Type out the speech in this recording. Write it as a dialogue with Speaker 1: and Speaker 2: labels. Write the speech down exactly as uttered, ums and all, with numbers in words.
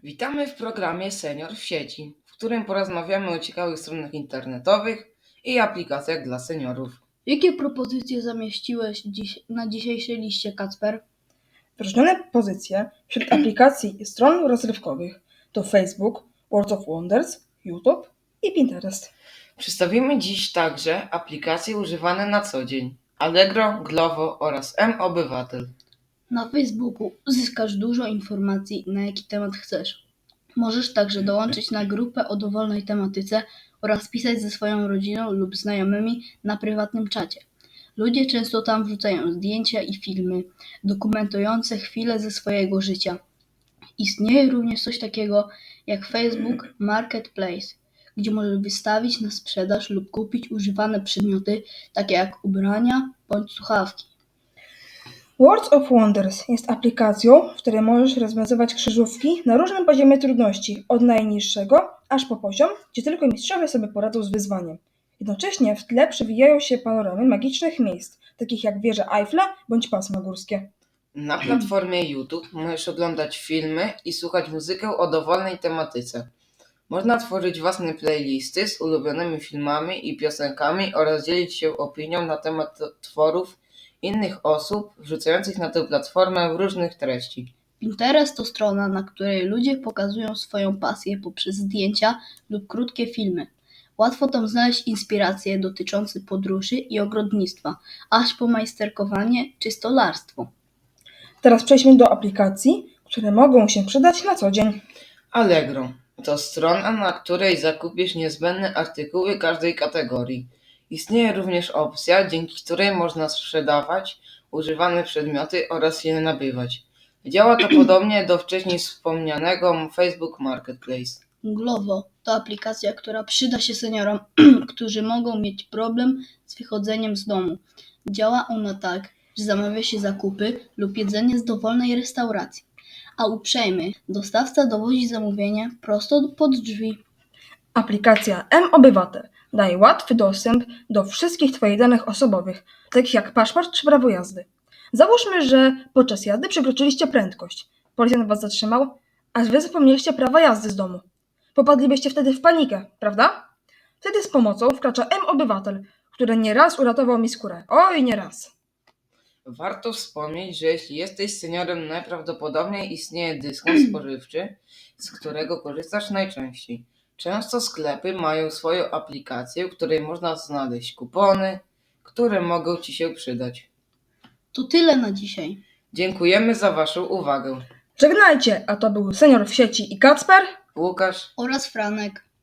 Speaker 1: Witamy w programie Senior w sieci, w którym porozmawiamy o ciekawych stronach internetowych i aplikacjach dla seniorów.
Speaker 2: Jakie propozycje zamieściłeś dziś na dzisiejszej liście, Kacper?
Speaker 3: Wyróżnione pozycje wśród aplikacji i stron rozrywkowych to Facebook, World of Wonders, YouTube i Pinterest.
Speaker 1: Przedstawimy dziś także aplikacje używane na co dzień: Allegro, Glovo oraz M-Obywatel.
Speaker 2: Na Facebooku uzyskasz dużo informacji, na jaki temat chcesz. Możesz także dołączyć na grupę o dowolnej tematyce oraz pisać ze swoją rodziną lub znajomymi na prywatnym czacie. Ludzie często tam wrzucają zdjęcia i filmy dokumentujące chwile ze swojego życia. Istnieje również coś takiego jak Facebook Marketplace, gdzie możesz wystawić na sprzedaż lub kupić używane przedmioty, takie jak ubrania bądź słuchawki.
Speaker 3: World of Wonders jest aplikacją, w której możesz rozwiązywać krzyżówki na różnym poziomie trudności, od najniższego aż po poziom, gdzie tylko mistrzowie sobie poradzą z wyzwaniem. Jednocześnie w tle przewijają się panoramy magicznych miejsc, takich jak wieże Eiffla bądź pasma górskie.
Speaker 1: Na platformie YouTube możesz oglądać filmy i słuchać muzykę o dowolnej tematyce. Można tworzyć własne playlisty z ulubionymi filmami i piosenkami oraz dzielić się opinią na temat tworów innych osób wrzucających na tę platformę różnych treści.
Speaker 2: Pinterest to strona, na której ludzie pokazują swoją pasję poprzez zdjęcia lub krótkie filmy. Łatwo tam znaleźć inspiracje dotyczące podróży i ogrodnictwa, aż po majsterkowanie czy stolarstwo.
Speaker 3: Teraz przejdźmy do aplikacji, które mogą się przydać na co dzień.
Speaker 1: Allegro to strona, na której zakupisz niezbędne artykuły każdej kategorii. Istnieje również opcja, dzięki której można sprzedawać używane przedmioty oraz je nabywać. Działa to podobnie do wcześniej wspomnianego Facebook Marketplace.
Speaker 2: Glovo to aplikacja, która przyda się seniorom, którzy mogą mieć problem z wychodzeniem z domu. Działa ona tak, że zamawia się zakupy lub jedzenie z dowolnej restauracji, a uprzejmy dostawca dowozi zamówienie prosto pod drzwi.
Speaker 3: Aplikacja M-Obywatel daje łatwy dostęp do wszystkich Twoich danych osobowych, takich jak paszport czy prawo jazdy. Załóżmy, że podczas jazdy przekroczyliście prędkość. Policjant Was zatrzymał, a Wy zapomnieliście prawa jazdy z domu. Popadlibyście wtedy w panikę, prawda? Wtedy z pomocą wkracza M-Obywatel, który nieraz uratował mi skórę. Oj, nieraz.
Speaker 1: Warto wspomnieć, że jeśli jesteś seniorem, najprawdopodobniej istnieje dyskont spożywczy, z którego korzystasz najczęściej. Często sklepy mają swoją aplikację, w której można znaleźć kupony, które mogą Ci się przydać.
Speaker 2: To tyle na dzisiaj.
Speaker 1: Dziękujemy za Waszą uwagę.
Speaker 3: Żegnajcie, a to był Senior w sieci i Kacper.
Speaker 1: Łukasz.
Speaker 2: Oraz Franek.